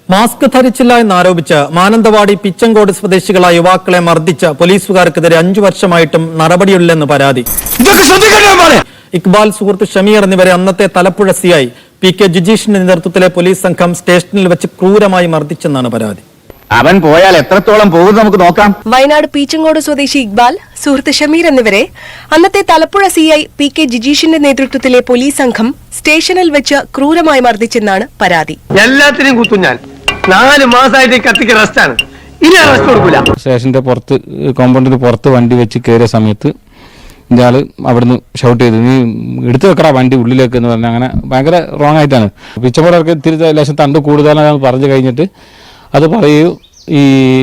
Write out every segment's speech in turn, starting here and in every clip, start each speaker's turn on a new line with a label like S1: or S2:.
S1: Mask ധരിച്ചില്ല എന്നാരോപിച്ച് മാനന്തവാടി പിച്ചങ്കോട് സ്വദേശികളായ യുവാക്കളെ മർദ്ദിച്ച പോലീസുകാർക്കെതിരെ 5 വർഷമായിട്ടും നടപടിയില്ലെന്ന് പരാതി. ഇക്ബാൽ, സുഹൃത്ത് ഷമീർ എന്നിവരെ അന്നത്തെ തലപ്പുഴ സിഐ PK ജിജീഷിന്റെ നേതൃത്വത്തിലെ പോലീസ് സംഘം സ്റ്റേഷനിൽ വെച്ച് ക്രൂരമായി മർദ്ദിച്ചെന്നാണ് പരാതി.
S2: അവൻ പോയാൽ എത്രത്തോളം പോകും നമുക്ക് നോക്കാം.
S3: വയനാട് പീച്ചങ്കോട് സ്വദേശി ഇക്ബാൽ, സുഹൃത്ത് ഷമീർ എന്നിവരെ അന്നത്തെ തലപ്പുഴ CI PK ജിജീഷിന്റെ നേതൃത്വത്തിലെ പോലീസ് സംഘം സ്റ്റേഷനിൽ വെച്ച് ക്രൂരമായി മർദ്ദിച്ചെന്നാണ് പരാതി.
S4: എല്ലാത്തിനും കുത്തും ഞാൻ. 4 മാസമായിട്ട് കത്തിക്ക് റെസ്റ്റാണ്. ഇനി റെസ്റ്റ് കൊടുക്കൂല.
S5: സ്റ്റേഷന്റെ പുറത്ത് കോമ്പൗണ്ടിന് പുറത്ത് വണ്ടി വെച്ച് കയറിയ സമയത്ത് ഇയാള് അവിടുന്ന് ഷൗട്ട് ചെയ്തു, നീ എടുത്തു വെക്കടാ വണ്ടി ഉള്ളിലേക്ക് എന്ന് പറഞ്ഞാൽ അങ്ങനെ ഭയങ്കര റോങ് ആയിട്ടാണ്. പിച്ചമ്പോടൊക്കെ ഇത്തിരി ലേശം തണ്ട് കൂടുതലാണെന്ന് പറഞ്ഞു കഴിഞ്ഞിട്ട് അത് പറയൂ. ഈ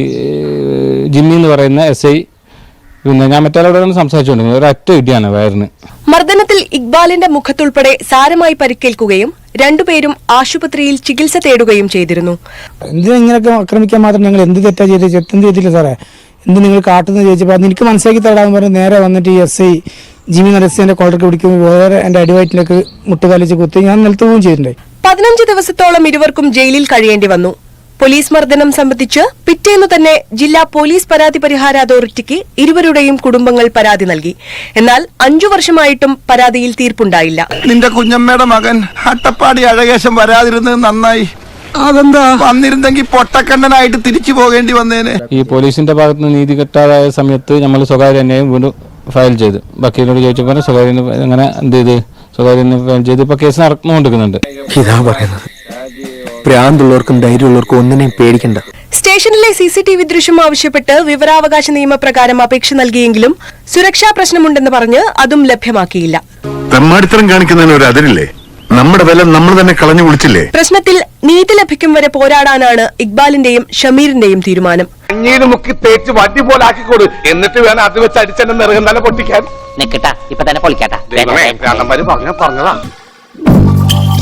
S5: ജിമ്മി എന്ന് പറയുന്ന SI പിന്നെ ഞാൻ മറ്റൊരാളോടാണ് സംസാരിച്ചുകൊണ്ടിരുന്നത്. ഒരു ഒറ്റ ഇടിയാണ് വയറിന്.
S3: മർദ്ദനത്തിൽ ഇക്ബാലിന്റെ മുഖത്തുൾപ്പെടെ സാരമായി പരിക്കേൽക്കുകയും രണ്ടുപേരും ആശുപത്രിയിൽ ചികിത്സ തേടുകയും ചെയ്തിരുന്നു.
S6: എന്തിനാ ഇങ്ങനെയൊക്കെ ആക്രമിക്കാൻ മാത്രം ഞങ്ങൾ എന്ത് തെറ്റാ ചെയ്ത് തെറ്റും ചെയ്തില്ല സാറേ, എന്ത് നിങ്ങൾ കാട്ടുന്നത് ചോദിച്ചപ്പോൾ അത് എനിക്ക് മനസ്സിലാക്കി തരാമെന്ന് പറഞ്ഞ് നേരെ വന്നിട്ട് ഈ SI ജിമ്മി നരസിന്റെ കോളർക്ക് പിടിക്കുമ്പോൾ വേറെ എന്റെ അടിവയറ്റിലേക്ക് മുട്ടുകാലിച്ച് കുത്തി ഞാൻ നിലത്ത് പോവുകയും ചെയ്തിട്ടുണ്ടായി.
S3: 15 ദിവസത്തോളം ഇരുവർക്കും ജയിലിൽ കഴിയേണ്ടി വന്നു. പോലീസ് മർദ്ദനം സംബന്ധിച്ച് പിറ്റേന്നു തന്നെ ജില്ലാ പോലീസ് പരാതി പരിഹാര അതോറിറ്റിക്ക് ഇരുവരുടെയും കുടുംബങ്ങൾ പരാതി നൽകി. എന്നാൽ 5 വർഷമായിട്ടും പരാതിയിൽ തീർപ്പുണ്ടായില്ല.
S7: നിന്റെ കുഞ്ഞമ്മയുടെ മകൻ അട്ടപ്പാടി അഴകേശം വരാതിരുന്നത് നന്നായി. അതെന്താ വന്നിരുന്നെങ്കിൽ പൊട്ടക്കണ്ണനായിട്ട് തിരിച്ചു പോകേണ്ടി വന്നേനെ.
S5: ഈ പോലീസിന്റെ ഭാഗത്തുനിന്ന് നീതി കിട്ടാതായ സമയത്ത് നമ്മൾ സ്വകാര്യ അന്യായം വീണ്ടും ഫയൽ ചെയ്തു. വക്കീലിനോട് ചോദിച്ചപ്പോൾ സ്വകാര്യ അങ്ങനെ എന്ത് ചെയ്ത് സ്വകാര്യ ഫയൽ ചെയ്ത് ഇപ്പൊ കേസ് നടന്നുകൊണ്ടിരിക്കുന്നുണ്ട്.
S8: ഇതാ പറയുന്നത്, പ്രാന്തുള്ളവർക്കും ധൈര്യമുള്ളവർക്കും ഒന്നിനെയും പേടിക്കണ്ട.
S3: സ്റ്റേഷനിലെ CCTV ദൃശ്യം ആവശ്യപ്പെട്ട് വിവരാവകാശ നിയമപ്രകാരം അപേക്ഷ നൽകിയെങ്കിലും സുരക്ഷാ പ്രശ്നമുണ്ടെന്ന് പറഞ്ഞ് അതും ലഭ്യമാക്കിയില്ല.
S9: തെമ്മാടിത്തരം കാണിക്കുന്നതിന് ഒരു അതിരില്ലേ? നമ്മുടെ വില നമ്മൾ തന്നെ കളഞ്ഞു കുളിച്ചില്ലേ?
S3: പ്രശ്നത്തിൽ നീതി ലഭിക്കും വരെ പോരാടാനാണ് ഇക്ബാലിന്റെയും ഷമീറിന്റെയും തീരുമാനം.
S4: അഞ്ഞീര് മുക്കി തേച്ച് വണ്ടി പോലെ ആക്കിക്കൊടു, എന്നിട്ട് വേണം അത് വെച്ച് അടിച്ചെന്നെ നിറകം തന്നെ പൊട്ടിക്കാൻ.
S2: നിക്കട്ടാ, ഇപ്പൊ തന്നെ പൊളിക്കാട്ടാ.
S4: പറഞ്ഞതാ